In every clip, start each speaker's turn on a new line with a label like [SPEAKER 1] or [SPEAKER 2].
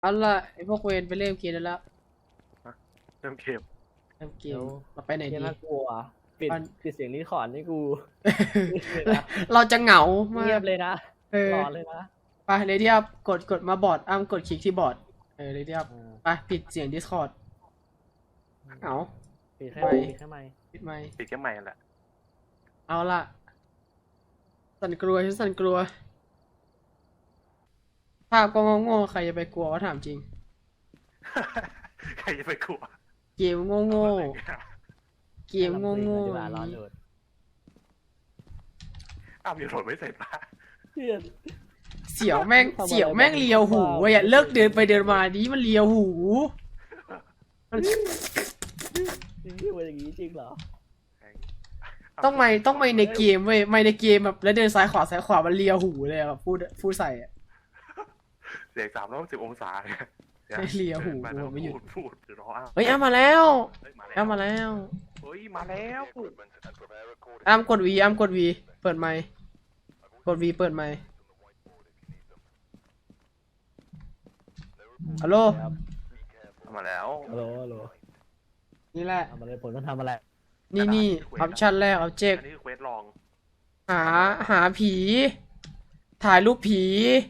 [SPEAKER 1] เอาล่ะไอพวกเวนไปเล่นเกมได้แล้ว
[SPEAKER 2] เริ่มเกม
[SPEAKER 1] เล่นเกมเราไปไหนดี
[SPEAKER 3] น่ากลัวปิดเสียงรีคอร์ดนี่กู
[SPEAKER 1] เราจะเหงามาก
[SPEAKER 3] เงียบเลยนะรอเลยนะ
[SPEAKER 1] ไปเลยที่อัพกดมาบอร์ดกดคลิกที่บอร์ดเลยที่อัพไปปิดเสียง Discord เหงา
[SPEAKER 3] ปิดแค่ไมค์
[SPEAKER 1] ปิดไมค์
[SPEAKER 2] ปิดแค่ใหม่แหละ
[SPEAKER 1] เอาล่ะสั่นกลัวฉันสั่นกลัวภาพก็โง่ๆใครจะไปกลัววะถามจริง
[SPEAKER 2] ใครจะไปกลัว
[SPEAKER 1] เกมโง่ๆเกมโง่ๆ
[SPEAKER 2] อ้าวยังโหลดไม่เสร็จปะ
[SPEAKER 1] เสียวแม่งเลียวหูเว้ยเลิกเดินไปเดินมานี้มันเลียวหู
[SPEAKER 3] มันอย่างนี้จริงเหรอ
[SPEAKER 1] ต้องไม่ในเกมเว้ยไม่ในเกมแบบแล้วเดินซ้ายขวามันเลียวหูเลยแบบพูดใส่อะ
[SPEAKER 2] เสียง310 องศา
[SPEAKER 1] เลียวหูไม่หยุด
[SPEAKER 2] พูดรอ
[SPEAKER 1] เฮ้ยมาแล้วมาแล้ว
[SPEAKER 2] เฮ้ยมาแล้ว
[SPEAKER 1] กดวีเปิดไมค์กดวีเปิดไมค์ฮัลโหล
[SPEAKER 2] มาแล้ว
[SPEAKER 3] ฮัลโหล
[SPEAKER 1] นี่แหละ
[SPEAKER 3] ทำอะไรผมต้องทำอะไร
[SPEAKER 1] นี่ออปชั่นแรกออบเจกต์
[SPEAKER 2] อันนี้คือเควสลอง
[SPEAKER 1] หาผีถ่ายรูปผี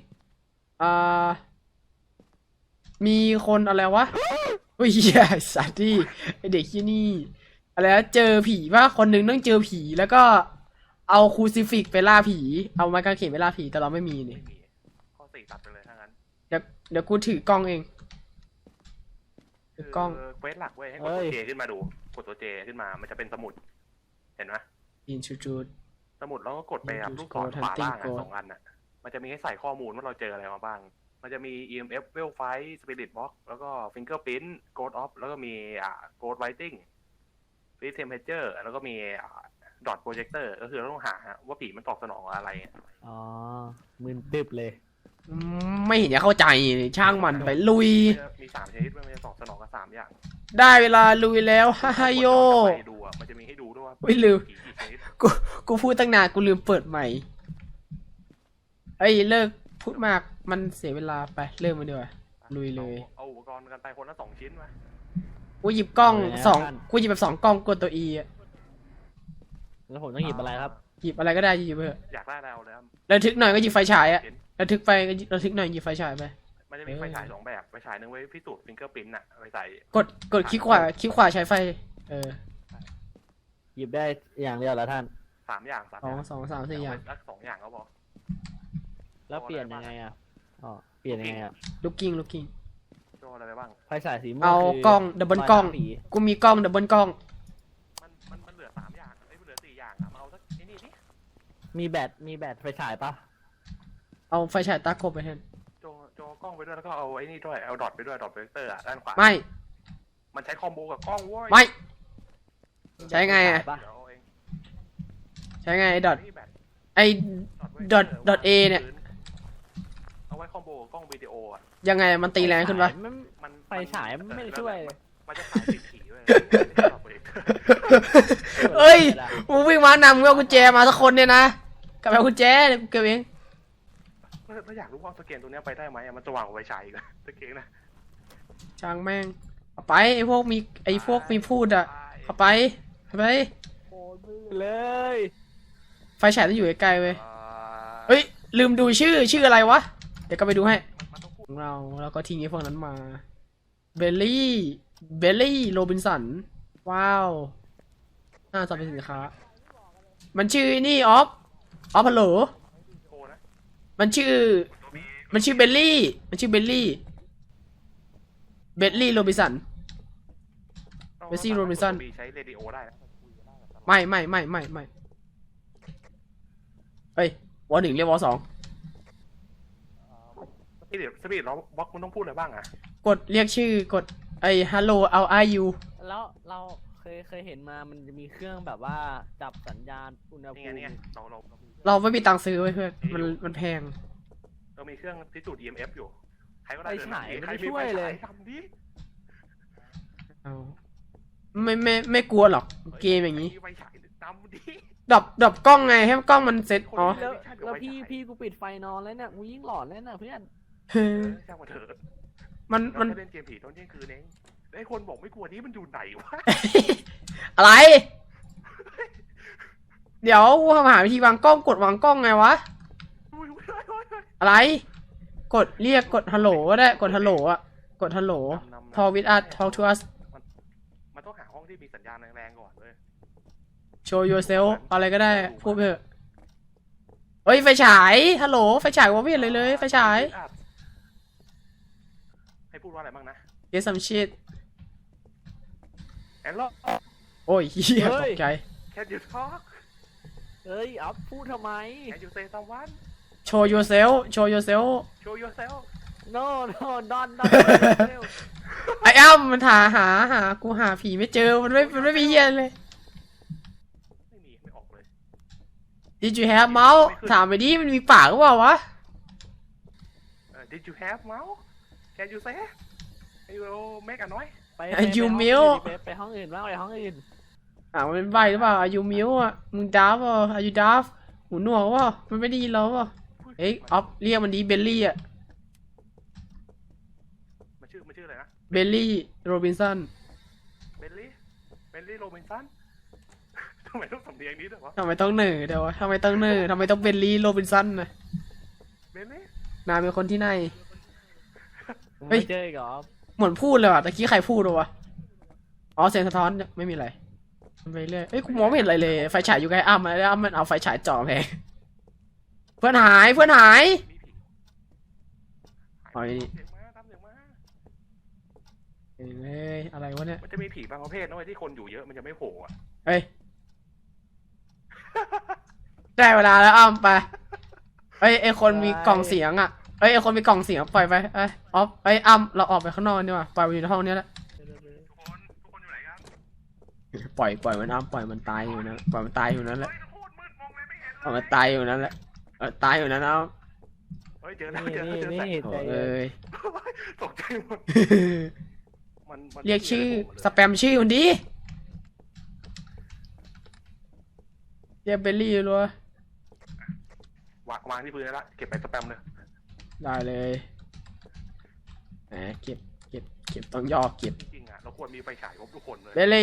[SPEAKER 1] มีคนอะไรวะอุ้ยสัตว์ที่ไอเด็กที่นี่อะไรนะเจอผีว่าคนนึงต้องเจอผีแล้วก็เอาคูซิฟิกไปล่าผีเอาไม้กางเขนไปล่าผีแต่เราไม่มีนี่
[SPEAKER 2] ข้อ4ตัดไปเลยถ้างั้น
[SPEAKER 1] เดี๋ยวกูถือกล้องเองถือกล้อง
[SPEAKER 2] เควสหลักเว้ยให้กดตัวเจขึ้นมาดูกดตัวเจขึ้นมามันจะเป็นสมุดเห็นไหม
[SPEAKER 1] อินชูด
[SPEAKER 2] สมุดแล้วก็กดไปครับลูกศรขวาล่าง2 อันน่ะมันจะมีให้ใส่ข้อมูลว่าเราเจออะไรมาบ้างมันจะมี EMF w e l l Fight Spirit Box แล้วก็ Fingerprint Ghost Off แล้วก็มีGhost Writing Freeze Temperature แล้วก็มีDot Projector ก็คือเราต้องหาว่าผีมันตอบสนองอะไร
[SPEAKER 3] อ๋อมึนตึบเลย
[SPEAKER 1] ไม่เห็นจะเข้าใจช่างมันไปลุย
[SPEAKER 2] มี3 ชนิดมันจะตอบสนองกับ3 อย่าง
[SPEAKER 1] ได้เวลาลุยแล้วฮ่าโย
[SPEAKER 2] ดูมันจะมีให้ดูด้วยว่า
[SPEAKER 1] ไม่ลืมกูพูดตั้งนานกูลืมเปิดใหม่เลิกพูดมากมันเสียเวลาไปเริ่มมาดีกว่าลุยเลย
[SPEAKER 2] เอาอุปกรณ์กันไปคนละ2 ชิ้นมา
[SPEAKER 1] กูหยิบกล้องกูหยิบแบบ2 กล้องกดตัว E อ่ะ
[SPEAKER 3] แล้วผมต้องหยิบอะไรครับ
[SPEAKER 1] หยิบอะไรก็ได้หยิบเถอะ
[SPEAKER 2] อยากได้แล้วเลย
[SPEAKER 1] ระทึกหน่อยก็หยิบไฟฉายอ่ะระทึกหน่อยหยิบไฟฉายไป
[SPEAKER 2] มันจะมีไฟฉาย2 แบบไฟฉายนึงไว้พิสูจน์ฟิงเกอร์พิ้นท์อะไปใส่
[SPEAKER 1] กดคลิกขวาใช้ไฟ
[SPEAKER 3] หยิบได้อย่างเดียวแล้วท่าน
[SPEAKER 2] 3 อย่าง
[SPEAKER 1] 2 3 4 อย่าง
[SPEAKER 2] สัก2 อย่างก็พอ
[SPEAKER 3] แล้วเปลี่ยนยังไงอ่ะเปลี่ยนยังไงอ่ะ
[SPEAKER 1] looking
[SPEAKER 2] โชว์อะไรบ้าง
[SPEAKER 3] ไฟฉายสีม่วง
[SPEAKER 1] เอากล้องดับเบิลกล้องกูมีกล้องดับเบิลกล้อง
[SPEAKER 2] มันเหลือ3 อย่างเหลือ4 อย่างมาเอาสักนี่ดิ
[SPEAKER 3] มีแบตไฟฉายปะ
[SPEAKER 1] เอาไฟฉายตาครบไปแทน
[SPEAKER 2] โจกล้องไปด้วยแล้วก็เอาไอ้นี่ด้วยเอาดอทไปด้วยดอทโปรเจคเตอร์ด้านขวา
[SPEAKER 1] ไม่
[SPEAKER 2] มันใช้คอมโบกับกล้องว้ย
[SPEAKER 1] ไม่ใช้ไงอ่ะใช้ไงดอทดอทเอเนี่ย
[SPEAKER 2] เอาไว้คอมโบกล้องวิดีโออ่ะ
[SPEAKER 1] ยังไงมันตีแรงขึ้นปะ
[SPEAKER 3] ไฟฉายไม่ช่วย
[SPEAKER 2] มันจะขายผีด้วย
[SPEAKER 1] เอ้ยมึงวิ่งมานำมึงเอากุญแจมาสักคนเนี่ยนะกับเอากุญแจกูเก็บเอง
[SPEAKER 2] ถ้าอยากรู้ว่าสเกนตัวนี้ไปได้ไหมมันจะวางไว้ใช้กันสเกนนะ
[SPEAKER 1] ช่างแม่งเอาไปไอ้พวกมีพูดอ่ะเอาไป
[SPEAKER 3] เลย
[SPEAKER 1] ไฟฉายต้องอยู่ใกล้ๆเว้ยเฮ้ยลืมดูชื่ออะไรวะเดี๋ยวก็ไปดูให้เราก็ทิ้งไอ้พวกนั้นมาเบลลี่โรบินสันว้าวน่าจะเป็นสินค้ามันชื่อนี่ออฟฮัลโหลมันชื่อเบลลี่โรบินสันโรบินสัน
[SPEAKER 2] ใช้เรดิโอได้
[SPEAKER 1] ไม่เฮ้ยวอ1เรียกว2
[SPEAKER 2] เดี๋ยวสปีดเราบล็อกมันต้องพูดอะไรบ้างอะ
[SPEAKER 1] กดเรียกชื่อกดฮัลโหลเอาyou
[SPEAKER 3] แล้วเราเคยเห็นมามันจะมีเครื่องแบบว่าจับสัญญาณอุณหภูมิ
[SPEAKER 1] เราไม่มีตังค์ซื้อไว้เพื่อนมันแพง
[SPEAKER 2] เรามีเครื่องพิสูจน์ EMF อยู่ใครก็ได้
[SPEAKER 3] ไฟฉายไม่ช่วยเลย
[SPEAKER 2] ทำดิ
[SPEAKER 1] เอาไม่กลัวหรอกเกมอย่างนี้
[SPEAKER 2] ไฟฉายทำดิ
[SPEAKER 1] ดับกล้องไงให้กล้องมันเซ็ต
[SPEAKER 3] แล้วพี่กูปิดไฟนอนแล้วเนี่ยกูยิ่งหลอนแล้วนะเพื่อน
[SPEAKER 2] เรา
[SPEAKER 1] มัน
[SPEAKER 2] จะเล่นเกมผีตอนเที่ยงคืนเองไอ้คนบอกไม่กลัวนี้มันอยู่ไหนวะ
[SPEAKER 1] อะไร เดี๋ยวกูหาวิธีวางกล้องกดวางกล้องไงวะ อะไร กดเรียกกดฮัลโหลก็ได้กดฮัลโหลอะกดฮัลโหล talk with us talk to us
[SPEAKER 2] มันต้องหาห้องที่มีสัญญาณแรงๆก่อนเลย
[SPEAKER 1] show yourself อะไรก็ได้พูดไปเถอะเฮ้ยไฟฉายฮัลโหลไฟฉายว่าไม่เห็นเลยไฟฉาย
[SPEAKER 2] ให้พูดว่าอะไรบ้างนะ
[SPEAKER 1] get some shit
[SPEAKER 2] แอนล็อก
[SPEAKER 1] โอ้ยเฮียตกใจ
[SPEAKER 2] Can you talk
[SPEAKER 3] เฮ้ยอัพพูดทำไม
[SPEAKER 2] Can you say someone
[SPEAKER 1] show yourself show yourself
[SPEAKER 2] Show yourself
[SPEAKER 3] no no don
[SPEAKER 1] ไอ้อ้ำมันหากูหาผีไม่เจอมันไม่มีเฮียเลย
[SPEAKER 2] ไม่ออกเลย
[SPEAKER 1] Did you have mouse ถามไปดิมันมีปากหรือเปล่าวะ
[SPEAKER 2] Did you have mouse Can you say Can you make a noise
[SPEAKER 3] ไป
[SPEAKER 1] You mute
[SPEAKER 3] ไปห้องอื่นบ้างไปห้องอื่น
[SPEAKER 1] มันเป็นใบหรือเปล่าอายุมิวอ่ะมึงดับอ่ะอายุดับหูหนวกว่ะมันไม่ได้ยินเราว่ะเอ้ยออฟเรียกมันดีเบลลี่อ่ะ
[SPEAKER 2] มันชื่ออะไรนะ
[SPEAKER 1] เบลลี่โรบินสัน
[SPEAKER 2] เบลลี่โรบินสัน ทำไมต้องสำเนียงนี้ด้วยวะ
[SPEAKER 1] ทำไมต้องเหนื่อยเดี๋ยววะทำไมต้องเหนื่อยทำไมต้องเบลลี่โรบินสันนะ
[SPEAKER 2] เบลลี่
[SPEAKER 1] นายเป็นคนที่ไหน เฮ้
[SPEAKER 3] ไม่
[SPEAKER 1] ย
[SPEAKER 3] เจออีกเหรอ
[SPEAKER 1] เหมือนพูดเลยว่ะตะกี้ใครพูดวะอ๋อเสียงสะท้อนไม่มีอะไรไปเรื่อยเอ้ยกูมองไม่เห็นอะไรเลยไฟฉายอยู่ใกล้อ้ำแล้วอ้ำมันเอาไฟฉายจ่อแพงเพื่อนหาย
[SPEAKER 2] มีผี
[SPEAKER 1] เอาไอ้นี่
[SPEAKER 2] เสียงมาตามเสียงมา
[SPEAKER 1] เอ้ยอะไรวะเนี่ย
[SPEAKER 2] มันจะมีผีบางประเภทนะเว้ยที่คนอยู่เยอะมันจะไม่โผล่อะ
[SPEAKER 1] เฮ้ย ได้เวลาแล้วอ้ำไปเฮ้ยไอคนมีกล่องเสียงอ่ะเฮ้ยไอคนมีกล่องเสียงปล่อยไปเอ้ยออฟเฮ้ยอ้ำเราออกไปข้างนอกดีกว่าปล่อยมันอยู่ในห้องนี้แหละ
[SPEAKER 2] ทุกคนอยู่ไหนกัน
[SPEAKER 1] ปล่อยมันอ้ำปล่อยมันตายอยู่นะปล่อยมันตายอยู่นั้นแหละ
[SPEAKER 2] เฮ้ยโคตรมืดมองเลยไม่เห็น
[SPEAKER 1] ปล่อยมันตายอยู่นั้นแหละตายอยู่นั้นเอา
[SPEAKER 2] เฮ้ยเจอแล้ว
[SPEAKER 3] นี่
[SPEAKER 2] เจอแล้ว
[SPEAKER 3] นี่
[SPEAKER 2] เจอแสง
[SPEAKER 3] นี่ใจ
[SPEAKER 1] โอ้
[SPEAKER 3] เย็น
[SPEAKER 1] เอ้ย
[SPEAKER 2] ตกใจหมดมัน
[SPEAKER 1] เรียกชื่อสแปมชื่อคนดีเรียกเบลลี่รัว
[SPEAKER 2] วางที่พื้นแล้วละเก็บไปสแปมเลย
[SPEAKER 1] ได้เลยแหมเก็บต้องย่อเก็บ
[SPEAKER 2] จริงๆอ่ะเราควรมีไฟฉายครบทุกคนเลย
[SPEAKER 1] เบล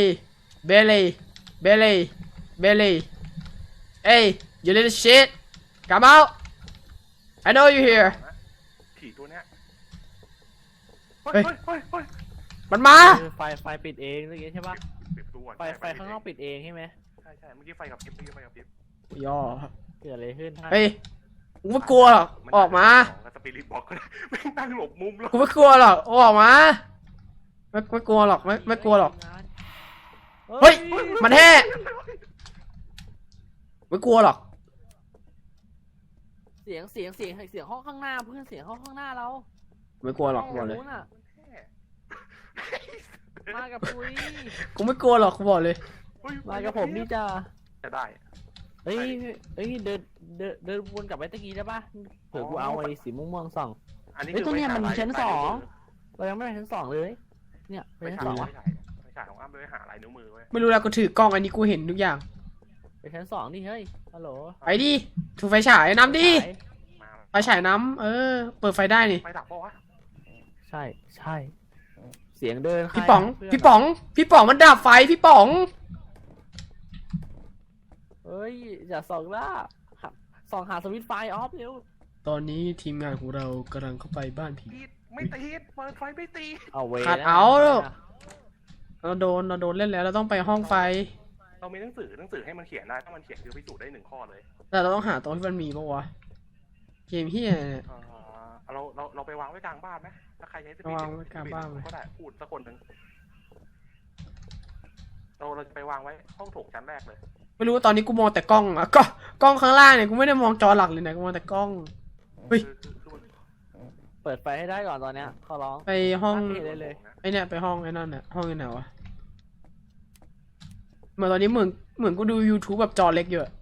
[SPEAKER 1] ลี่เอ้ย you little shit come out I know you here
[SPEAKER 2] ผีตัวเนี้ย
[SPEAKER 1] เฮ้ย
[SPEAKER 2] เฮ้ย
[SPEAKER 1] มันมา
[SPEAKER 3] ไฟปิดเองเมื่อกี้ใช่ปะ
[SPEAKER 2] ปิดตัว
[SPEAKER 3] ไฟข้างนอกปิดเองใช่ไหม
[SPEAKER 2] ใช่เมื่อกี้ไฟกับพริบ
[SPEAKER 1] ย่อ
[SPEAKER 3] เกิดอะไรขึ้นท่าน
[SPEAKER 1] เฮ้ยกูไม่กลัวหรอกออกมา
[SPEAKER 2] สปิริตบอกก็ได้ไม่นั่งหลบมุมแล้ว
[SPEAKER 1] กูไม่กลัวหรอกออกมาไม่กลัวหรอกไม่กลัวหรอก เฮ้ย มันแห่ไม่กลัวหรอก
[SPEAKER 3] เสียงห้องข้างหน้าเพื่อนเสียงห้องข้างหน้าเรา
[SPEAKER 1] ไม่กลัวหรอกบอกเลย
[SPEAKER 3] นู้นอะมากับปุ้ย
[SPEAKER 1] กูไม่กลัวหรอกกูบอกเลย
[SPEAKER 3] มากับผมนี่จ้า
[SPEAKER 2] จะได้
[SPEAKER 3] เฮ้ยเดินวนกลับไปตะกี้ได้ปะเผื่อกูเอาไอ้สีม่วงๆส่อง
[SPEAKER 2] อันนี้
[SPEAKER 3] เฮ้ย
[SPEAKER 2] คือ
[SPEAKER 3] ตัวเนี้ยมัน
[SPEAKER 2] ไฟฉาย
[SPEAKER 3] ชั้นสอง เรายังไม่ไปชั้นสองเลย เนี่ยไป
[SPEAKER 2] ไฟ
[SPEAKER 3] ชั้น
[SPEAKER 2] ฉาย
[SPEAKER 3] สองวะ
[SPEAKER 2] ไฟฉายของอ้ำไปหาลายนิ้วมือไว้
[SPEAKER 1] ไม่รู้แล้วกูถือกล้องอันนี้กูเห็นทุกอย่าง
[SPEAKER 3] ไปชั้นสองดิเฮ้ยฮัลโหล
[SPEAKER 1] ไปดิถูไฟฉายน้ำดิ
[SPEAKER 2] มา
[SPEAKER 1] ไฟฉายน้ำเปิดไฟได้นี่
[SPEAKER 2] ไฟดับปะวะ
[SPEAKER 3] ใช่ เสียงเดิน
[SPEAKER 1] พี่ป๋องมันดับไฟพี่ป๋อง
[SPEAKER 3] เฮ้ยอย่าส่องล่าส่องหาสวิตช์ไฟออฟเร็ว
[SPEAKER 1] ตอนนี้ทีมงานของเรากำลังเข้าไปบ้านผี
[SPEAKER 2] ติดไม่ติดเปิดไฟไม่ติด
[SPEAKER 3] เอาเว
[SPEAKER 1] ขัดเอา เราโดนเล่นแล้วเราต้องไปห้องไฟ
[SPEAKER 2] เรามีหนังสือให้มันเขียนได้ถ้ามันเขียนคือพิสูจน์ได้1 ข้อเลย
[SPEAKER 1] แต่เราต้องหาตรงที่มันมีปะวะเกมเฮียเนี่ย
[SPEAKER 2] เราไปวางไว้กลางบ้านไหมถ้าใครใช้สปีด
[SPEAKER 1] วางไว้กลางบ้านไหม
[SPEAKER 2] ก็ได้พูดสักคนหนึ่งเราจะไปวางไว้ห้องโถงชั้นแรกเลย
[SPEAKER 1] ไม่รู้ว่าตอนนี้กูมองแต่กล้องอะกล้องข้างล่างเนี่ยกูไม่ได้มองจอหลักเลยนะกูมองแต่กล้อง เฮ้ย
[SPEAKER 2] คือมัน
[SPEAKER 3] เปิดไฟให้ได้ก่อนตอนเนี้ยขอร้อง
[SPEAKER 1] ไปห้อง
[SPEAKER 3] ไม่ได้เลย
[SPEAKER 1] ไอเนี่ยไปห้องไอ้นั่นน่ะห้องไหนวะเหมือนตอนนี้เหมือนกูดู YouTube แบบจอเล็กอยู่อะ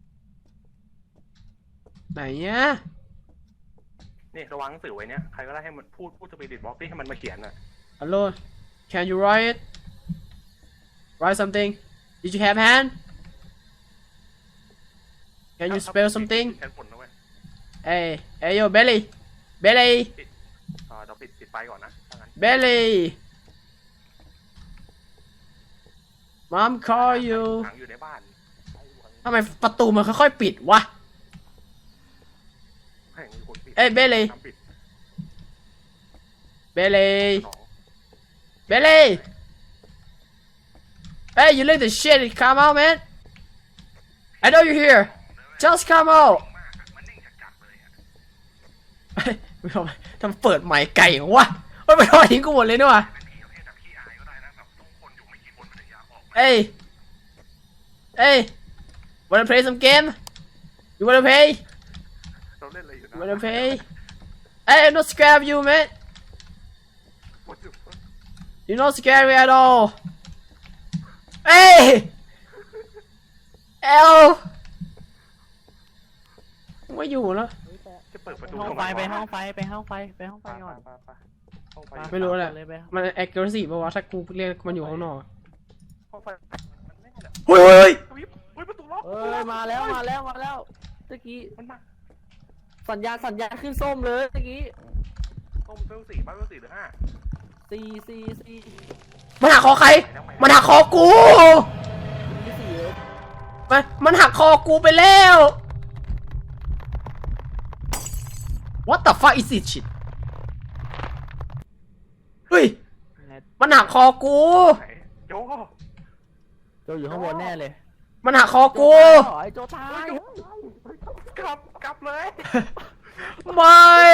[SPEAKER 1] ไหนเนี่ย
[SPEAKER 2] นี่ระวังหนังสือไว้เนี่ยใครก็ได้ให้มันพูดสปีดบล็อกที่ให้มันมาเขียนน่ะ
[SPEAKER 1] ฮัลโหล can you write something did you have hand can you spell something
[SPEAKER 2] แทนผลนะเว้ย
[SPEAKER 1] hey yo Belly
[SPEAKER 2] เราปิดไฟก่อนนะถ้างั้น
[SPEAKER 1] เบลลี่มัม call you
[SPEAKER 2] ขังอยู่ในบ้าน
[SPEAKER 1] ทำไมประตูมันค่อยๆปิดวะ
[SPEAKER 2] ให้มีคนปิด
[SPEAKER 1] เอ้ยเบลลี่
[SPEAKER 2] ทำปิด
[SPEAKER 1] เบลลี่
[SPEAKER 2] สอง
[SPEAKER 1] เบลลี่ Hey, you let the shit come out, man. I know you're here. Just come out.
[SPEAKER 2] มันนิ่งจัดๆเลยอะ
[SPEAKER 1] ไม่ทำเปิดใหม่ไก่วะไม่ไปทอดทิ้งกูหมดเลยด้วยวะ
[SPEAKER 2] เป็นผีประเภทแบบขี้อายก็ได้นะแบบต้องคนอยู่ไม่กี่คนมันถึงอยากออกมา
[SPEAKER 1] Hey, hey, wanna play some game? You wanna play?
[SPEAKER 2] เราเล่นอะไรอยู่
[SPEAKER 1] You
[SPEAKER 2] นะ
[SPEAKER 1] wanna play? Hey, I'm not scared of you, man.
[SPEAKER 2] What the fuck?
[SPEAKER 1] You're not scary at all. Hey, L. ไม่อยู่แล้ว
[SPEAKER 2] จะเปิดประตู
[SPEAKER 3] ห้อง
[SPEAKER 2] ทำ
[SPEAKER 3] ไฟ
[SPEAKER 2] ม
[SPEAKER 3] ไป
[SPEAKER 2] วะ
[SPEAKER 3] ห้องไฟไปห้องไฟไปห้องไฟก่อน
[SPEAKER 2] ห้องไฟ
[SPEAKER 1] ไม่รู้แหละ
[SPEAKER 3] เลยไป
[SPEAKER 1] มัน accuracy ป่าวะถ้ากูเรียกมันอยู่ข้างนอกอะ
[SPEAKER 2] ห้องไฟมันแน่แหละ
[SPEAKER 1] เฮ้ย
[SPEAKER 2] เฮ้ยประตูล็อก
[SPEAKER 3] เอ้ยมาแล้วมาแล้วมาแล้วตะกี้
[SPEAKER 2] มันมา
[SPEAKER 3] สัญญาณขึ้นส้มเลยตะกี้
[SPEAKER 2] ต้องเวลสี่บ้านเวลสี่หรือห้า
[SPEAKER 3] 4
[SPEAKER 1] มันหักคอใคร มันหักคอกู
[SPEAKER 3] 4เลย
[SPEAKER 1] มันหักคอกูไปแล้ว What the fuck is this shit เฮ้ย
[SPEAKER 3] ไง
[SPEAKER 1] มันหักคอกู
[SPEAKER 2] ไหนโจ
[SPEAKER 3] โจอยู่ข้างบนแน่เลย
[SPEAKER 1] มันหักคอกู
[SPEAKER 3] ไอ้โจตาย
[SPEAKER 2] กลับเลย
[SPEAKER 1] ไม่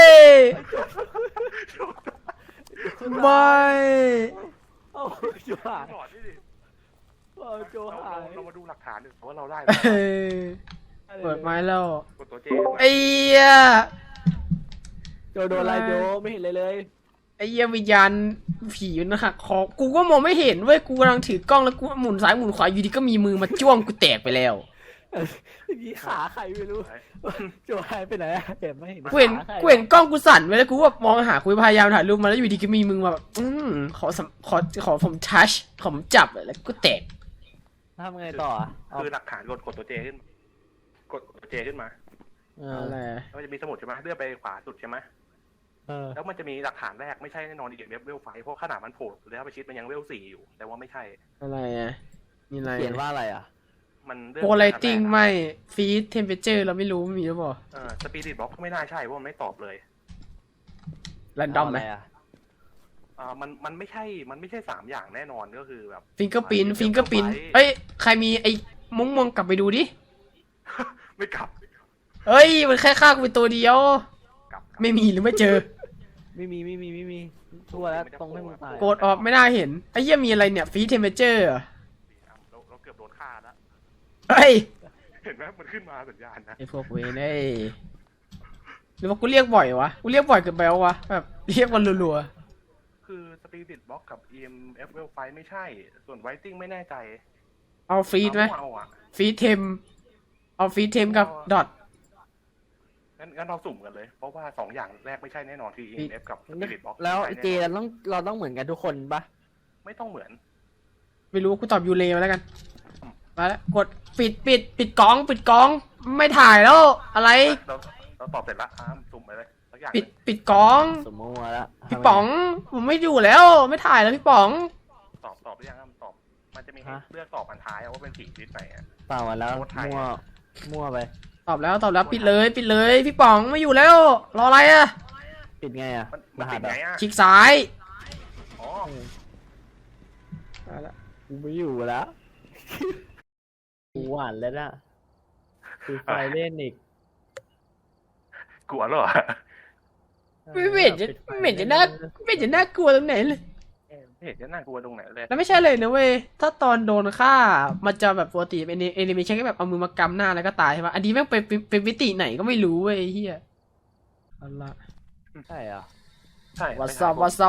[SPEAKER 1] ไม่
[SPEAKER 3] โอ้โจหาย
[SPEAKER 2] หลอดนี่ดิ
[SPEAKER 3] โอ้โจหาย
[SPEAKER 2] เรามาดูหลักฐานดิว่าเราได้
[SPEAKER 1] เออเปิดไม้แล้ว
[SPEAKER 2] กดตัวเจ
[SPEAKER 1] ไอ้เหี้ย
[SPEAKER 3] โจโดนอะไรโจไม่เห็นเลยเลย
[SPEAKER 1] ไอ้เหี้ยวิญญาณผีมันหักคอ กูก็มองไม่เห็นเว้ย กูกำลังถือกล้องแล้วกูหมุนซ้ายหมุนขวาอยู่ดีก็มีมือมาจ้วงกูแตกไปแล้ว
[SPEAKER 3] ยี่ขาใครไม่รู้โจหายไปไหนอะเห็นไม่เห็น
[SPEAKER 1] กูเห็น
[SPEAKER 3] ขาใคร
[SPEAKER 1] กูเห็นกล้องกูสั่นไปแล้วกูแบบมองหากูพยายามถ่ายรูปมาแล้วอยู่ดีก็มีมือมาแบบขอผมทัชขอผมจับแล้วกูแตก
[SPEAKER 3] ทำไงต่ออะ
[SPEAKER 2] คือหลักฐานกดตัวเจขึ้น กดตัวเจขึ้นมา
[SPEAKER 3] เออ
[SPEAKER 1] อะไร
[SPEAKER 2] แล้วมันจะมีสมุดใช่ไหมเลื่อนไปขวาสุดใช่ไหม
[SPEAKER 3] เออ
[SPEAKER 2] แล้วมันจะมีหลักฐานแรกไม่ใช่แน่นอนอีกเวลไฟเพราะขนาดมันโผล่แล้วไปชิดมันยังเวลสี่อยู่ แต่ว่าไม่ใช่
[SPEAKER 1] อะไรอ่ะมีอะไร
[SPEAKER 3] เขียนว่าอะไรอ่ะ
[SPEAKER 2] มันเลื่อน
[SPEAKER 1] โพลาริติ้งไม่ฟีดเทมเพอเจอร์เราไม่รู้มีหรือเปล่า
[SPEAKER 2] สปีริตบล็อกไม่น่าใช่เพราะมันไม่ตอบเลย
[SPEAKER 1] แรนดอมไหม
[SPEAKER 3] เาะรอะ
[SPEAKER 2] มันไม่ใช่สามอย่างแน่นอนก็คือแบบ
[SPEAKER 1] ฟิงเกอร์ปินเอ้ยใครมีไอ้มุ้งมองกลับไปดูดิ
[SPEAKER 2] ไม่กลับ
[SPEAKER 1] เอ้ยมันแค่ฆ่ากูไปตัวเดียว
[SPEAKER 2] กลับ
[SPEAKER 1] ไม่มีหรือไม่เจอ
[SPEAKER 3] ไม่มีทั่วแล้วตรงให้มึงตาย
[SPEAKER 1] โกดออฟไม่น่าเห็นไอ้เหี้ยมีอะไรเนี่ยฟีดเทมเพอเจอร์
[SPEAKER 2] เราเกือบโดนฆ่าแล้ว
[SPEAKER 1] เฮ้ย
[SPEAKER 2] เห็นไหมมันขึ้นมาสัญญาณนะ
[SPEAKER 1] ไอ้พวกเวนไอ้หรือว่ากูเรียกบ่อยวะกูเรียกบ่อยเกินไปวะแบบเรียกวันรัว
[SPEAKER 2] คือสปีริตบล็อกกับ EMF เวลไฟไม่ใช่ ส่วนไวติ้งไม่แน่ใจ
[SPEAKER 1] ๆเอาฟีดไหม
[SPEAKER 2] เอาอ่ะ
[SPEAKER 1] ฟีดเทมเอาฟีดเทมกับดอท
[SPEAKER 2] งั้นเราสุ่มกันเลย เพราะว่าสองอย่างแรกไม่ใช่แน่นอนคือ EMF กับสปีริตบล็อก
[SPEAKER 3] แล้วเจเราต้องเหมือนกันทุกคนปะ
[SPEAKER 2] ไม่ต้องเหมือน
[SPEAKER 1] ไม่รู้กูตอบยูเลมาแล้วกันมาแล้วกดปิดกล้องไม่ถ่ายแล้วอะไร
[SPEAKER 2] เราตอบเสร็จละสุ่มไปเลยสักอย่าง
[SPEAKER 1] ปิดกล้อง
[SPEAKER 3] สมมติว่าละ
[SPEAKER 1] พี่ป๋องผมไม่อยู่แล้วไม่ถ่ายแล้วพี่ป๋อง
[SPEAKER 2] ตอบหรือยังตอบ มันจะมีให้เลือกตอบอันท้ายว่าเป็นผีชนิดไหนอ่ะ
[SPEAKER 3] เปล่ามาแล้ว
[SPEAKER 2] โคตรไทย
[SPEAKER 3] มั่วไป
[SPEAKER 1] ตอบแล้วปิดเลยพี่ป๋องไม่อยู่แล้วรออะไรอะ
[SPEAKER 3] ปิดไงอ่ะ
[SPEAKER 2] มันติดไงอ่ะ
[SPEAKER 1] คลิกซ้าย
[SPEAKER 2] อ๋อ
[SPEAKER 1] เอาละ
[SPEAKER 3] กูไม่อยู่แล้วกูหวานแล้วนะคือไฟเล่นอีก
[SPEAKER 2] กลัวเหรอ
[SPEAKER 1] ไม่เห็นจะน่ากลัวตรงไหนเลย
[SPEAKER 2] ไม่เห็นจะน่ากลัวตรงไหนเลย
[SPEAKER 1] แล้วไม่ใช่เลยนะเว้ยถ้าตอนโดนฆ่ามันจะแบบปกติเป็นแอนิเมชันก็แบบเอามือมากำหน้าแล้วก็ตายใช่ปะอันนี้แม่งเป็นวิติไหนก็ไม่รู้เว้ยไอ้เฮียเอาละ
[SPEAKER 3] ใช่เหรอ
[SPEAKER 2] ใช่
[SPEAKER 1] What's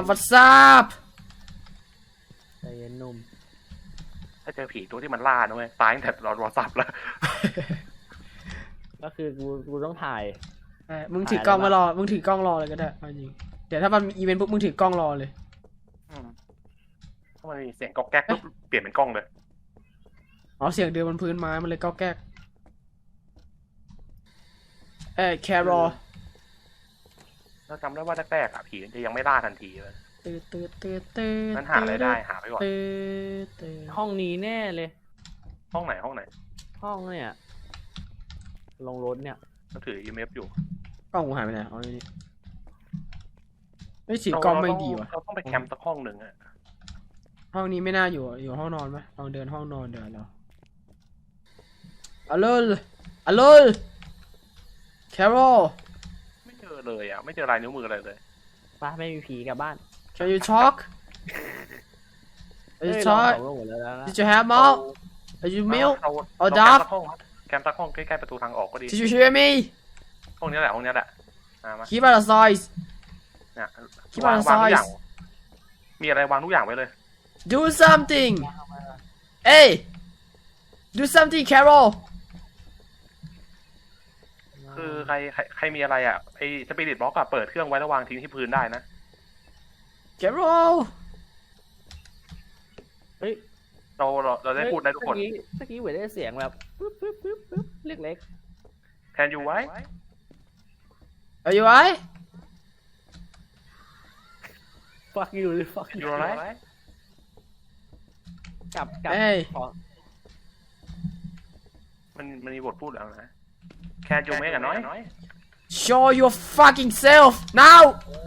[SPEAKER 1] up
[SPEAKER 3] ใจเย็นหนุ่ม
[SPEAKER 2] ถ้าเจอผีตัวที่มันล่านะเว้ยตายตั้งแต่เราสับแล้ว
[SPEAKER 3] ก็คือกูต้องถ่าย
[SPEAKER 1] มึงถือกล้องมารอมึงถือกล้องรอเลยก็ได้เอาจริงเดี๋ยวถ้ามันมีอีเวนต์ปุ๊บมึงถือกล้องรอเลย
[SPEAKER 2] ถ้ามันมีเสียงก๊อกแก๊กปุ๊บเปลี่ยนเป็นกล้องเลย
[SPEAKER 1] อ๋อเสียงเดินบนพื้นไม้มันเลยก็แก๊กแครอ
[SPEAKER 2] เราจำได้ว่าแรกๆผีมันจะยังไม่ล่าทันทีเลย
[SPEAKER 1] ตื่น
[SPEAKER 2] นั้นหาอะไรได้หาไปก่อน
[SPEAKER 1] ตื่น
[SPEAKER 3] ห้องนี้แน่เลย
[SPEAKER 2] ห้องไหน
[SPEAKER 3] ห้องเนี่ยลงรถเนี่ย
[SPEAKER 2] ก็ถือ EMF อยู่
[SPEAKER 1] กล้องกูหายไปไหนเอานี่ไม่สีกล้องไม่ดีว่ะ
[SPEAKER 2] เราต้องไปแคมป์สักห้องหนึ่งอะ
[SPEAKER 1] ห้องนี้ไม่น่าอยู่ห้องนอนไหมลองเดินห้องนอนเดินแล้วอัลโหลอัลโหลแคโร
[SPEAKER 2] ไม่เจอเลยอ่ะไม่เจอลายนิ้วมืออะไรเลย
[SPEAKER 3] ปะไม่มีผีกลับบ้าน
[SPEAKER 1] Can you talk Can
[SPEAKER 3] เอ้
[SPEAKER 1] you
[SPEAKER 3] ยเรา
[SPEAKER 1] talk
[SPEAKER 3] สำรวจหมดแล้วนะ
[SPEAKER 1] Did you have milk Are you milk
[SPEAKER 2] เรา
[SPEAKER 1] or
[SPEAKER 2] แคม
[SPEAKER 1] dove
[SPEAKER 2] ป์สักห้องมั้ยแคมป์สักห้องใกล้ๆประตูทางออกก็ดี
[SPEAKER 1] Did you hear me
[SPEAKER 2] ห้องนี้แหละมา
[SPEAKER 1] Keep out of sight
[SPEAKER 2] เนี่ย
[SPEAKER 1] คิด
[SPEAKER 2] วา
[SPEAKER 1] ว่าง
[SPEAKER 2] ทุกอย่าง
[SPEAKER 1] size
[SPEAKER 2] มีอะไรวางทุกอย่างไว้เลย
[SPEAKER 1] Do something Hey Do something Carol
[SPEAKER 2] คือใครมีอะไรอ่ะไอ้สปิริตบล็อกอะเปิดเครื่องไว้แล้ววางทิ้งที่พื้นได้นะ
[SPEAKER 1] Carol
[SPEAKER 3] เฮ้ย
[SPEAKER 2] เราได้พูดได้ทุกคน
[SPEAKER 3] เมื่อกี้เหมือนได้เสียงแบบปึ๊บปึ๊บปึ๊บปึ๊บเล็ก
[SPEAKER 2] แทนอยู่ไว้
[SPEAKER 1] Are you alright
[SPEAKER 3] ๆ fuck you เลย fuck
[SPEAKER 2] อ
[SPEAKER 3] you
[SPEAKER 2] ยู่อะไร
[SPEAKER 3] กลับ
[SPEAKER 1] Hey
[SPEAKER 3] ขอ
[SPEAKER 2] มันมีบทพูดแล้วนะแคนยูเมกอะน้อย
[SPEAKER 1] Show your fucking self now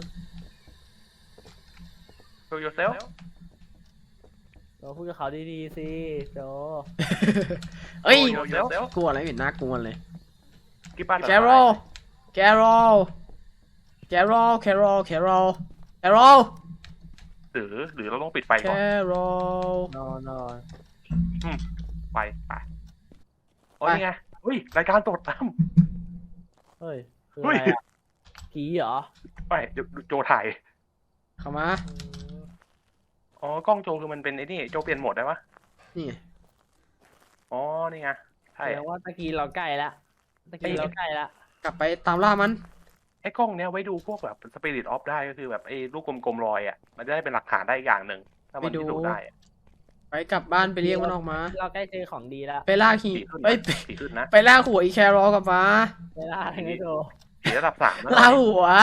[SPEAKER 2] show yourself
[SPEAKER 3] เราพูดกับเขาดีๆสิโจ
[SPEAKER 1] เอ้ย
[SPEAKER 2] show yourself
[SPEAKER 1] กลัวอะไรไม่น่ากลัวเลย
[SPEAKER 2] กิ๊บบ้าน
[SPEAKER 1] Carol Carol Carol Carol Carol Carol
[SPEAKER 2] หรือเราต้องปิดไฟก่อน
[SPEAKER 1] Carol
[SPEAKER 3] นอน
[SPEAKER 2] ไปโอ้ยไงเฮ้ยรายการสดตั้ม
[SPEAKER 3] เฮ้ยคือ
[SPEAKER 2] เฮ้
[SPEAKER 3] อะ
[SPEAKER 2] ย
[SPEAKER 3] ไรอะผีเหรอ
[SPEAKER 2] ไปเดี๋ยวโจถ่าย
[SPEAKER 1] เข้ามา
[SPEAKER 2] อ๋อกล้องโจคือมันเป็นไอ้นี่โจเปลี่ยนโหมดได้ปะ
[SPEAKER 1] นี่ไง
[SPEAKER 2] อ๋อนี่ไง
[SPEAKER 3] แส
[SPEAKER 2] ใช่
[SPEAKER 3] ดงว่าตะกี้เราใกล้ละ
[SPEAKER 1] กลับไปตามล่ามัน
[SPEAKER 2] ไอ้กล้องเนี้ยไว้ดูพวกแบบสปิริตออฟได้ก็คือแบบไอ้ลูกกลมๆลอยอ่ะมันจะได้เป็นหลักฐานได้อีกอย่างหนึ่งถ้ามันพิสูจน์ได้อะ
[SPEAKER 1] ไปกลับบ้านไปเรียกมันออกมา
[SPEAKER 3] เราใกล้เจอของดีแล้ว
[SPEAKER 1] ไปล่าขี่
[SPEAKER 2] ผีขึ้น
[SPEAKER 1] เอ้ย
[SPEAKER 2] นะผีขึ้นนะ
[SPEAKER 1] ไปล่าหัวอีแครอลกลับมา
[SPEAKER 3] เวลาอะไรไงโจ
[SPEAKER 2] ผีระดับ3นะ
[SPEAKER 1] ล่าหัว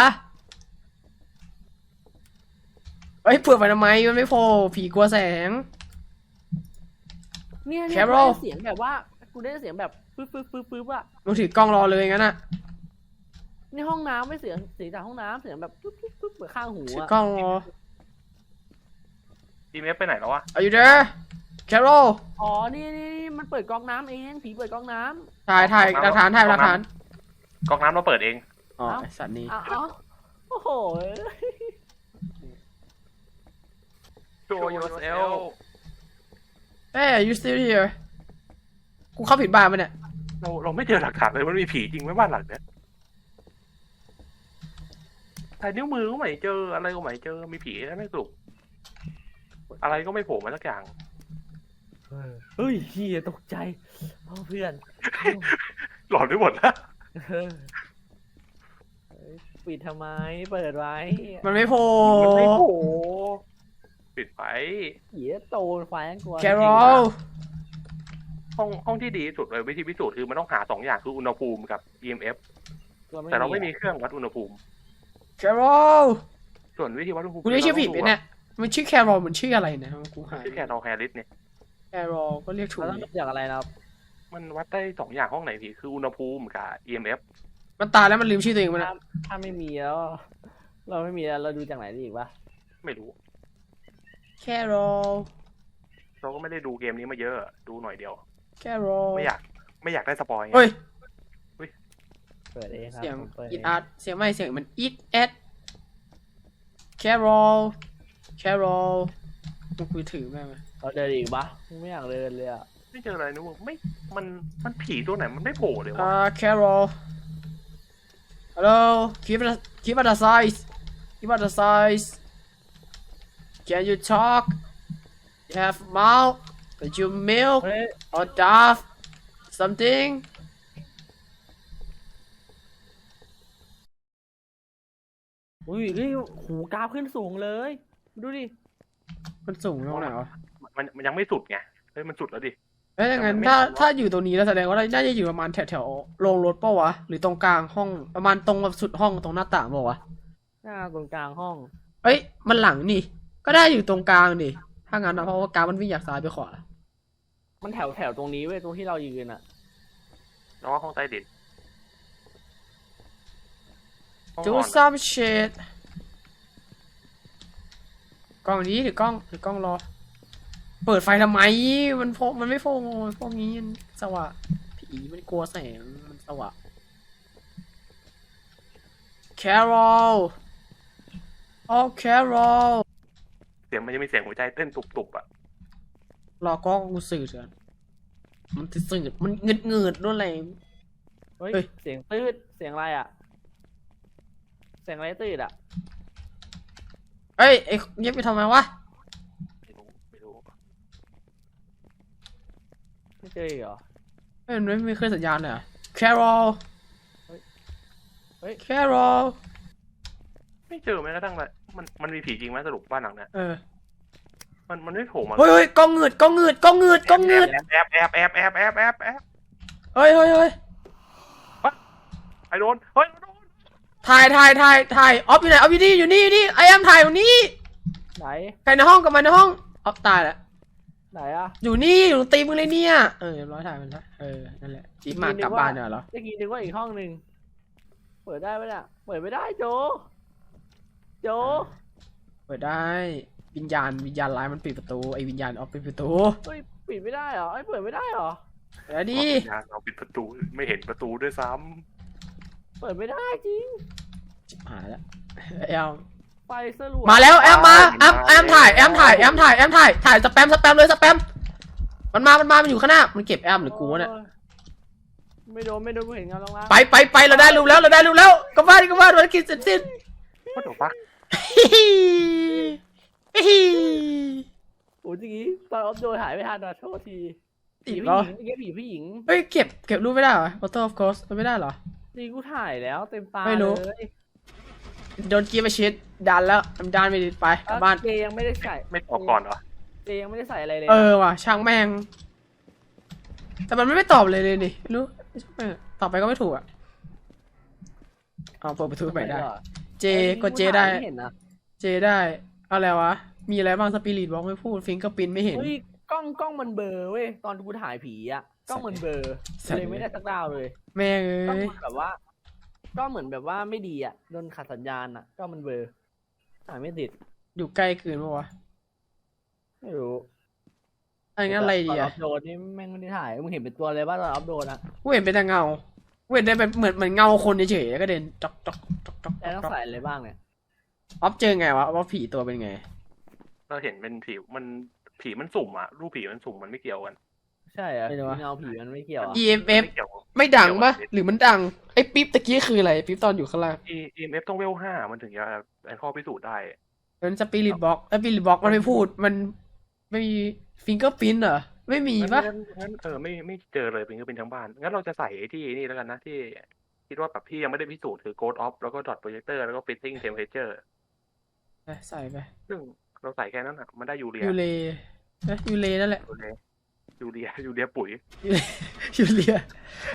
[SPEAKER 1] เอ้ยเปิดไปทำไมมันไม่พอผีกลัวแสง
[SPEAKER 3] เนี่ย
[SPEAKER 1] Carol
[SPEAKER 3] เสียงแบบว่ากูได้เสียงแบบปึ๊บปึ๊บปึ๊บปึ๊บอะ
[SPEAKER 1] มึงถือกล้องรอเลยงั้นอ่ะ
[SPEAKER 3] นี่ห้องน้ำไม่เสียงจากห้องน้ำเสียงแบบปึ๊บปึ๊บปึ๊บเหมือนข้างหู
[SPEAKER 1] ถือ
[SPEAKER 3] อะ
[SPEAKER 1] กล้องรอ
[SPEAKER 2] อีเมฟไปไหนแล้ววะ
[SPEAKER 1] Are you there Carol
[SPEAKER 3] อ๋อนี่มันเปิดก๊อกน้ำเองผีเปิดก๊อกน้
[SPEAKER 1] ถ่ายหลักฐานถ่ายหลักฐาน
[SPEAKER 2] ก๊อกน้ำเราเปิดเอง
[SPEAKER 1] อ๋อไอ้สัตว์นี้
[SPEAKER 3] ำอ้าวโอ้โห
[SPEAKER 2] show yourself
[SPEAKER 1] เอ้ย you still here กูเข้าผิดบ้านปะเนี่ย
[SPEAKER 2] เราไม่เจอหลักฐานเลยมันมีผีจริงไหมบ้านหลังเนี้ยถ่ายนิ้วมือก็ไม่เจออะไรก็ไม่เจอมีผีแล้วไม่สรุปอะไรก็ไม่โผล่มาสักอย่าง
[SPEAKER 3] เฮ้ยเฮียตกใจเพื่อน
[SPEAKER 2] หลอนไปหมดแล้ว
[SPEAKER 3] ปิดทำไมเปิดไว้
[SPEAKER 1] มันไม่โผล่
[SPEAKER 2] มันไม่โผล่ปิดไป
[SPEAKER 3] เหี้ยโตนควายกลัว
[SPEAKER 1] Carol
[SPEAKER 2] ห้องที่ดีที่สุดเลยวิธีพิสูจน์คือมันต้องหา2อย่างคืออุณหภูมิกับ EMF แต่เราไม่มีเครื่องวัดอุณหภูมิ
[SPEAKER 1] Carol
[SPEAKER 2] ส่วนวิธีวัดอุณหภูมิ
[SPEAKER 1] กูเรียกชื่อผิดไหมเนี่ยมันชื่อ Carol มันชื่ออะไรนะกูหา
[SPEAKER 2] ชื่อแคนนอลแฮร์ริสเนี่ย
[SPEAKER 1] Carol ก็เรียกถูก
[SPEAKER 3] เราต้องอย่างอะไรนะครับ
[SPEAKER 2] มันวัดได้2อย่างห้องไหนพี่คืออุณหภูมิกับ EMF
[SPEAKER 1] มันตายแล้วมันลืมชื่อตัวเองมัน
[SPEAKER 3] ถ้าไม่มีแล้ว เราไม่มีแล้วเราดูจากไหนดีอีกวะ
[SPEAKER 2] ไม่รู้
[SPEAKER 1] Carol
[SPEAKER 2] เราก็ไม่ได้ดูเกมนี้มาเยอะดูหน่อยเดียว
[SPEAKER 1] Carol
[SPEAKER 2] ไม่อยากได้สปอยไง
[SPEAKER 1] เฮ้ย
[SPEAKER 3] เปิดเองครับ
[SPEAKER 1] เสียง
[SPEAKER 3] ผมเปิด
[SPEAKER 1] อิ
[SPEAKER 3] เอ
[SPEAKER 1] ด
[SPEAKER 3] ง
[SPEAKER 1] อาร์ตเสียงไม่เสียงมันอิดแอด Carol Carol มึงคุยถือแม่งไหม
[SPEAKER 3] เราเดินอีกปะไม่อยากเดินเลยอะ
[SPEAKER 2] ไม่เจออะไรนะไม่มันผีตัวไหนมันไม่โผล่เลยวะ
[SPEAKER 1] Carol Hello keep it aside keep it aside Can you talk You have mouth Did you milk
[SPEAKER 3] เฮ้ย
[SPEAKER 1] or dove something
[SPEAKER 3] อุ้ยนี่หูกราฟขึ้นสูงเลย ดูดิ
[SPEAKER 1] มันสูงตรงไหนวะ
[SPEAKER 2] มันยังไม่สุดไงเฮ้ยมันสุดแล้วดิ
[SPEAKER 1] เอ้ยงั้น
[SPEAKER 2] แต่มันไม่
[SPEAKER 1] ถ้า
[SPEAKER 2] ทันวะ
[SPEAKER 1] ถ้าอยู่ตรงนี้แล้วแสดงว่าน่าจะอยู่ประมาณแถวโรงรถเปล่าวะหรือตรงกลางห้องประมาณตรงแบบสุดห้องตรงหน้าต่างเปล่าวะ
[SPEAKER 3] หน้าตรงกลางห้อง
[SPEAKER 1] เอ้ยมันหลังนี่ ก็ได้อยู่ตรงกลางดิถ้างั้นนะเพราะว่ากลางมันวิ่งจากซ้ายไปขวา
[SPEAKER 3] มันแถวตรงนี้เว้ยตรงที่เรายืนอ่ะ
[SPEAKER 2] แล้วก็ห้องใต้ดินห้อง
[SPEAKER 1] Do
[SPEAKER 2] นอน
[SPEAKER 1] some shit กล้องนี้หรือกล้องรอ เปิดไฟทำไม มันไม่โฟงพวกนี้มันสว่างผีมันกลัวแสงมันสว่าง Carol อ๋อ Carol
[SPEAKER 2] เสียงมันจะมีเสียงหัวใจเต้นตุบๆอ่ะ
[SPEAKER 1] รอก็กูสื่อเถอะมันสื่อมันเงืดนู่นอะไร
[SPEAKER 3] เฮ้ย
[SPEAKER 1] เฮ้ย
[SPEAKER 3] เสียงตืดเสียงอะไรอ่ะ เสียงอะไรตืดอ่ะ
[SPEAKER 1] เอ้ยไอ้เงียบไปทำไมวะ
[SPEAKER 2] ไม่รู้
[SPEAKER 3] ไม่เจออีกเหรอ
[SPEAKER 1] เอ้ยมันไม่มีเครื่องสัญญาณเลยเหรอ Carol
[SPEAKER 3] เฮ้ย
[SPEAKER 1] Carol
[SPEAKER 2] ไม่เจอแม้กระทั่งเลยมันมีผีจริงไหมสรุปบ้านหลังเนี้ย
[SPEAKER 1] เออ
[SPEAKER 2] มันไม่โผล่มา
[SPEAKER 1] เฮ้ยกล้องเงืดกล้องเงืดกล้องเงืดกล้องเงืด
[SPEAKER 2] แอบ
[SPEAKER 1] เฮ้ย
[SPEAKER 2] ไอ้โดนเฮ้ยโดน
[SPEAKER 1] ถ่ายออฟอยู่ไหนออฟอยู่นี่ไอแอมถ่ายตรงนี้
[SPEAKER 3] ไหน
[SPEAKER 1] ใครในห้องกับมันในห้องออฟตายแล้ว
[SPEAKER 3] ไหนอ่ะ
[SPEAKER 1] อยู่นี่อยู่ตรงตีมึงเลยเนี่ยเรียบร้อยถ่ายมันละนั่นแหละจีบมากลับบ้านเนี่ยเหรอ
[SPEAKER 3] เมื่อกี้นึกว่าอีกห้องหนึ่งเปิดได้ไหมเนี่ยเปิดไม่ได้โจ
[SPEAKER 1] เปิดได้วิญญาณร้ายมันปิดประตูไอวิญญาณออฟปิดประตู
[SPEAKER 3] เฮ้ยปิดไม่ได้เหรอไอ้ยเปิดไม่ได้เหรอ
[SPEAKER 1] เดี๋ยวดิ
[SPEAKER 2] เราปิดประตูไม่เห็นประตูด้วยซ้
[SPEAKER 3] เปิดไม่ได้จริง
[SPEAKER 1] ชิบหายแล้วแอม
[SPEAKER 3] ไฟสลัว
[SPEAKER 1] มาแล้วแอมมาแอมถ่ายสแปมเลยสแปมมันมามันอยู่ข้างหน้ามันเก็บแอมหรือกูวะเนี่ย
[SPEAKER 3] ไม่โดนกูเห็นเงาล่าง
[SPEAKER 1] ไปเราได้รูปแล้วกลับบ้านภารกิจเสร็จสิ้น
[SPEAKER 2] ำว่าเดี๋ยวฟัก
[SPEAKER 3] โอ้ยจริงตอนออฟโดนหายไม่ทันนะโทษที
[SPEAKER 1] ติด
[SPEAKER 3] ผี
[SPEAKER 1] เหรอ
[SPEAKER 3] ผู้หญิง
[SPEAKER 1] เฮ้ยเก็บรูปไม่ได้เหรอ Photo of Ghost ไม่ได้เหรอ
[SPEAKER 3] จริงกูถ่ายแล้วเต็มตา
[SPEAKER 1] ไม่รู้
[SPEAKER 3] เลย
[SPEAKER 1] โดนกีบไปชิดดันแล้วดันไปไปกลับบ้าน
[SPEAKER 3] เจยังไม่ได้ใส่
[SPEAKER 2] ไม่ตอบก่อนเหรอ
[SPEAKER 3] เจยังไม่ได้ใส่อะไรเลย
[SPEAKER 1] ว่ะช่างแม่ง แต่มันไม่ตอบเลยนี่ไม่รู้ตอบไปก็ไม่ถูกอ่ะเอาเปิดประตูใหม่ได้ เจกดเจได้
[SPEAKER 3] ไม่เห็นนะ
[SPEAKER 1] เจได้อะไรวะ มีอะไรบ้างสปิริตบอกไม่พูดฟิงก็ปินไม่เห็น
[SPEAKER 3] เฮ้ยกล้องมันเบลอเว้ยตอนกูถ่ายผีอ่ะกล้องมันเบลอ
[SPEAKER 1] สัตว์
[SPEAKER 3] เลยไม่ได้สักดาวเลย
[SPEAKER 1] แม่ง
[SPEAKER 3] กล้อง
[SPEAKER 1] เอ้ย
[SPEAKER 3] มันแบบว่าก็เหมือนแบบว่าไม่ดีอ่ะโดนขัดสัญญาณอ่ะกล้องมันเบลอถ่ายไม่ติด
[SPEAKER 1] อยู่ใกล้เกินปะวะ
[SPEAKER 3] ไม่รู้
[SPEAKER 1] อันนั้นอะไรดี
[SPEAKER 3] ตอนอ
[SPEAKER 1] อ่ะ
[SPEAKER 3] อฟโดนนี่แม่งไม่ได้ถ่ายมึงเห็นเป็นตัวเลยป่ะตอนออฟโดนอ่ะ
[SPEAKER 1] กูเห็นเป็นแต่เงากูเห็นได้แบบเหมือนเงาคนเฉยๆแล้วก็เดินจ๊อก
[SPEAKER 3] แต่ต้องใส่อะไรบ้างเนี่ย
[SPEAKER 1] ออฟเจอไงวะว่าผีตัวเป็นไง
[SPEAKER 2] เราเห็นเป็นผีมันสุ่มอ่ะรูปผีมันสุ่มมันไม่เกี่ยวกัน
[SPEAKER 3] ใช่เหรอ
[SPEAKER 1] ไม่รู้วะ
[SPEAKER 3] เงาผีมันไม่เกี่ยวอ่ะ
[SPEAKER 1] EMF
[SPEAKER 2] ไม่เกี่ยว
[SPEAKER 1] ไม่ดังปะหรือมันดังไอ้ปิ๊บตะกี้คืออะไรปิ๊บตอนอยู่ข้างล่าง
[SPEAKER 2] EMF ต้องเวล5มันถึงจะเป็นข้อพิสูจน์ได้
[SPEAKER 1] มันสปิริตบ็อกมันไม่พูดมันไม่มีฟิงเกอร์พินเหรอไม่มีปะ
[SPEAKER 2] งั้นไม่เจอเลยเป็นทั้งบ้านงั้นเราจะใส่ไอ้ที่นี่แล้วกันนะที่คิดว่าแบบที่ยังไม่ได้พิสูจน์คือ Ghost Off แล้วก็ Dot Projector แล้วก็ Fitting Temperature
[SPEAKER 1] ใส่ไป
[SPEAKER 2] ซึ่งเราใส่แค่นั้นอ่ะมันได้ยูเรีย
[SPEAKER 1] ยูเลนั่นแหละ
[SPEAKER 2] ยูเรียปุ๋ย
[SPEAKER 1] ยูเลีย